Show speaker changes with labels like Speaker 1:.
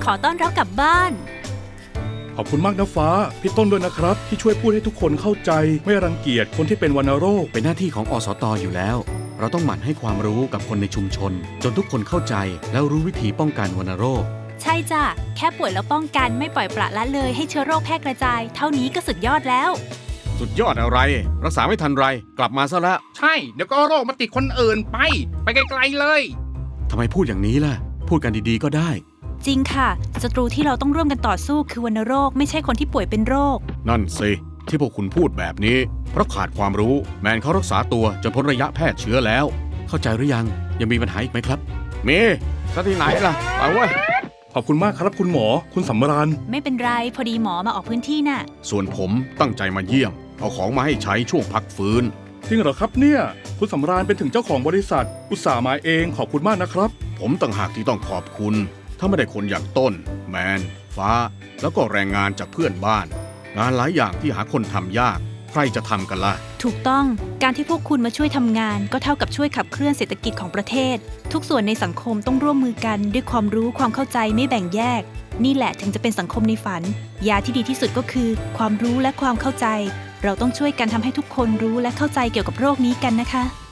Speaker 1: ขอต้อนรับกลับบ้าน
Speaker 2: ขอบคุณมากนะฟ้าพี่ต้นด้วยนะครับที่ช่วยพูดให้ทุกคนเข้าใจไม่รังเกียจคนที่เป็นวัณโรค
Speaker 3: เป็นหน้าที่ของอสต.อยู่แล้วเราต้องหมั่นให้ความรู้กับคนในชุมชนจนทุกคนเข้าใจแล้วรู้วิธีป้องกันวัณโรค
Speaker 1: ใช่จ้ะแค่ป่วยแล้วป้องกันไม่ปล่อยปละละเลยให้เชื้อโรคแพร่กระจายเท่านี้ก็สุดยอดแล้ว
Speaker 3: สุดยอดอะไรรักษาไม่ทันไรกลับมาซะละ
Speaker 4: ใช่เดี๋ยวก็โรคมาติดคนอื่นไปไกลๆเลย
Speaker 3: ทำไมพูดอย่างนี้ล่ะพูดกันดีๆก็ได้
Speaker 1: จริงค่ะศัตรูที่เราต้องร่วมกันต่อสู้คือวัณโรคไม่ใช่คนที่ป่วยเป็นโรค
Speaker 3: นั่นสิที่พวกคุณพูดแบบนี้เพราะขาดความรู้แมนเขารักษาตัวจนพ้นระยะแพร่เชื้อแล้วเข้าใจหรือยังยังมีปัญหาอีกไหมครับมีซะที่ไหนล่ะไปเว้ย
Speaker 2: ขอบคุณมากครับคุณหมอคุณสำราญ
Speaker 1: ไม่เป็นไรพอดีหมอมาออกพื้นที่น่ะ
Speaker 3: ส่วนผมตั้งใจมาเยี่ยมเอาของมาให้ใช้ช่วงพักฟื้น
Speaker 2: จริงเหรอครับเนี่ยคุณสำราญเป็นถึงเจ้าของบริษัทอุตส่าห์มาเองขอบคุณมากนะครับ
Speaker 3: ผมต่างหากที่ต้องขอบคุณถ้าไม่ได้คนอย่างต้นแมนฟ้าแล้วก็แรงงานจากเพื่อนบ้านงานหลายอย่างที่หาคนทำยากใครจะทำกันล่ะ
Speaker 1: ถูกต้องการที่พวกคุณมาช่วยทำงานก็เท่ากับช่วยขับเคลื่อนเศรษฐกิจของประเทศทุกส่วนในสังคมต้องร่วมมือกันด้วยความรู้ความเข้าใจไม่แบ่งแยกนี่แหละถึงจะเป็นสังคมในฝันยาที่ดีที่สุดก็คือความรู้และความเข้าใจเราต้องช่วยกันทำให้ทุกคนรู้และเข้าใจเกี่ยวกับโรคนี้กันนะคะ